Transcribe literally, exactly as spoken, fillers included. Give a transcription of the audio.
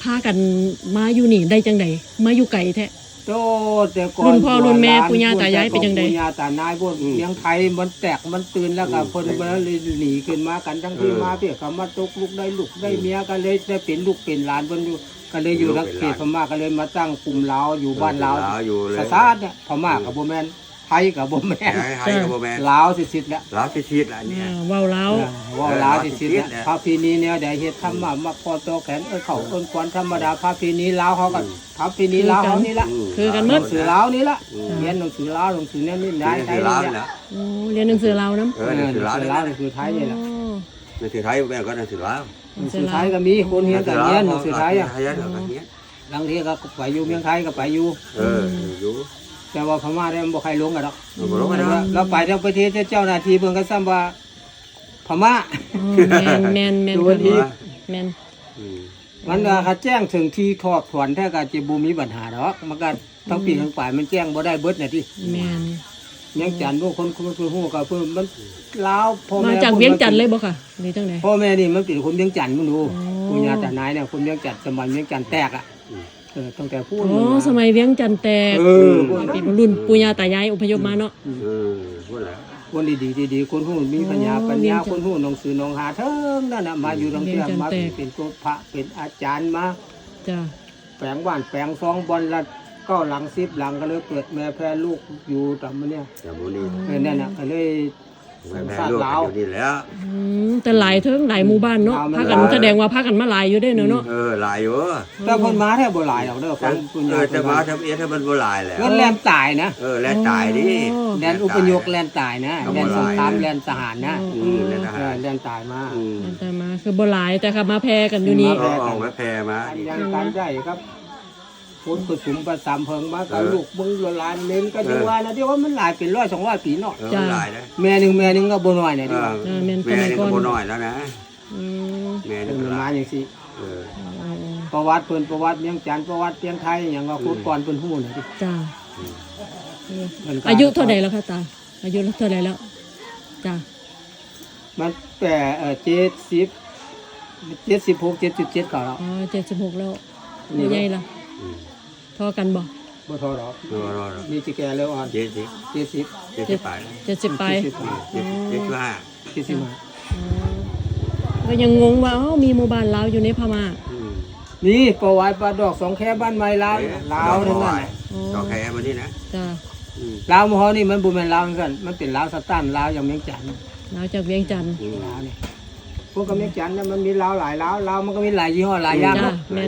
ากันมาอยู่นี่ได้จังไดมาอยู่ไกลแท้โตแต่ก่อนรุ่นพ่อรุ่นแม่ปู่ย่าตายายเป็นจังได๋ปู่ย่าตายายพวกเลี้ยงไทยมันแตกมันตื่นแล้วก็เพิ่นบ่เลยหนีขึ้นมากันทั้งที่มาเพี่ก็มาตกลูกได้ลูกได้เมียก็เลยได้เป็นลูกเป็นหลานเพิ่นอยู่ก็เลยอยู่ทางเขตพม่าก็เลยมาตั้งกลุ่มลาวอยู่บ้านลาวสะซาดเนี่ยพม่าก็บ่แม่นไทยก็บ่แม่นไทยก็บ่แม่นลาวสิๆแล้วลาวสิๆล่ะเนี่ยเว้าลาวว่าลาวสิๆแล้วพระปีนี้เนี่ยได้เฮ็ดธรรมะมาพอโตแขนเอ้ยเข้าเอิ้นควันธรรมดาพระปีนี้ลาวเขาก็พระปีนี้ลาวเขานี่ละคือกันหมหนัดงสือลาวนี่ละเรียนหนังสือลาวหนังสือเนี่ยนี่ได้ไทยลาวนี่นี่ละล่ะโอ้เรียนหนังสือลาวนํเออหนังสือลาวหนังสือลาวหนังสือไทยนี่ละหนังสือไทยแม่ก็หนังสือลาวหนังสือไทยก็มีคนเรียนก็เรียนหนังสือไทยอ่ะไทยก็เรียนบางทีก็ไปอยู่เมืองไทยก็ไปอยู่เอออยู่แต่ว่าพม่าได้บ่ใครลงกันดอกบ่รู้กันเนาะเราไปทางประเทศเจ้าหน้าที่เพิ่นก็ซ้ำว่าพม่าแม่นแม่นแม่นดูดีแม่นอืมมันก็เขาแจ้งถึงที่ทอดถอนแท้ก็จะบ่มีปัญหาดอกมันก็ทั้งปีทั้งฝ่ายมันแจ้งบ่ได้เบิดน่ะติแม่นเวียงจันทน์พวกคนคนคนฮู้ก็เพิ่นมันลาวพ่อมาแม่จากเวียงจันทน์เลยบ่ค่ะหรือจังได๋พ่อแม่นี่มันเป็นคนเวียงจันทน์มึงดูอ๋อปู่ย่าตานายเนี่ยคนเวียงจันทน์สมัยเวียงจันทน์แตกอ่ะเออตั้งแต่พูดอ๋อสมัยเวียงจันทน์แตกเออเป็นรุ่นปู่ย่าตายายอพยพมาเนาะเออพูดแล้วคนดีๆดีๆคนฮู้มีปัญญาอ๋อปัญญาเวียงจันทน์คนฮู้หนังสือหนองหาเทิงนั่นน่ะมาอยู่โรงเรียนเวียงจันทน์มาแตกเป็นตัวพระเป็นอาจารย์มาจ้ะแปลงบ้านแปลงซองบอลละเก้าหลังสิบหลังก็เลยเกิดแม่แพ้ลูกอยู่ตามมันเนี่ยแต่บ่นี่เออนั่นน่ะก็เลยแม่ลูกอยู่นี่แล้วอืมแต่หลายเทิงหลายหมู่บ้านเนาะพากันแสดงว่าพากันมาหลายอยู่เด้เนาะเนาะเออหลายอยู่แต่คนมาแทบบ่หลายดอกเด้อฟังคุณเอย่าอแต่มาทำเอียถ้ามันบ่หลายแล้วเงินแลนตายนะเออแล้วตายดิแลนอุปยกแลนตายนะแลนสงครามแลนทหารนะอืมแล้วทเอหาอรแลนตายมาอืมแต่มาคือบ่หลายแต่ค่ะมาแพร่กันอยู่นี่เออออกมาแพร่มาการยังการได้ครับคนผสมประสามเพิงมากับลูกมึงละลานเล่นก็ยังว่านะที่ว่ามันหลายเป็นร้อยสองร้อยปีเนาะเออหลายนะแม่หนึงแม่หนึงก็บ่น้อยเนี่ยเอดิอเออแม่นสแม่มัยนี่ก่ก็อนบ่น้อยแล้วนะอืมแม่เป็นี่นก็หมาลายอย่างซี่เออประวัติเพิ่นประวัติเมียงจันทน์ประวัติเพียงไทยอย่างว่าคนก่อนเพิ่นฮู้น่ะดิจ้ะเพิ่นก็อายุเท่าใดแล้วคะตาอายุเท่าใดแล้วจ้ะมันแปดเอ่อเจ็ดสิบเจ็ดสิบหกเจ็ดสิบเจ็ดก็แล้วอ๋อเจ็ดสิบหกแล้วผู้ใหญ่ล่ะอืมเท่อกันบ่บ่เท่าดอกรอรอรอนี่สิแก่แล้วอ่อนเจ็ดสิบเจ็ดสิบเจ็ดสิบแปดเจ็ดสิบไปเจ็ดสิบเจ็ดเจ็ดสิบห้าเจ็ดสิบห้าอ๋อก็ยังงงว่าเอ้ามีหมู่บ้านลาวอยู่ในพม่าอืมนี่ประวัติปลาดอกสองแค่บ้านไม้ลาวลาวทั้งนั้นน่ะดอกแคร์มานี่นะจ้ะอืมลาวมอนี่มันบ่แม่นลาวจังซั่นมันเป็นลาวสตันลาวอย่างเมียงจันทน์ลาวจากเวียงจันทน์อืมลาวนี่พวกกับเมียงจันทน์เนี่ยมันมีลาวหลายลาวลาวมันก็มีหลายยี่ห้อหลายอย่างจ้ะเนาะแม่น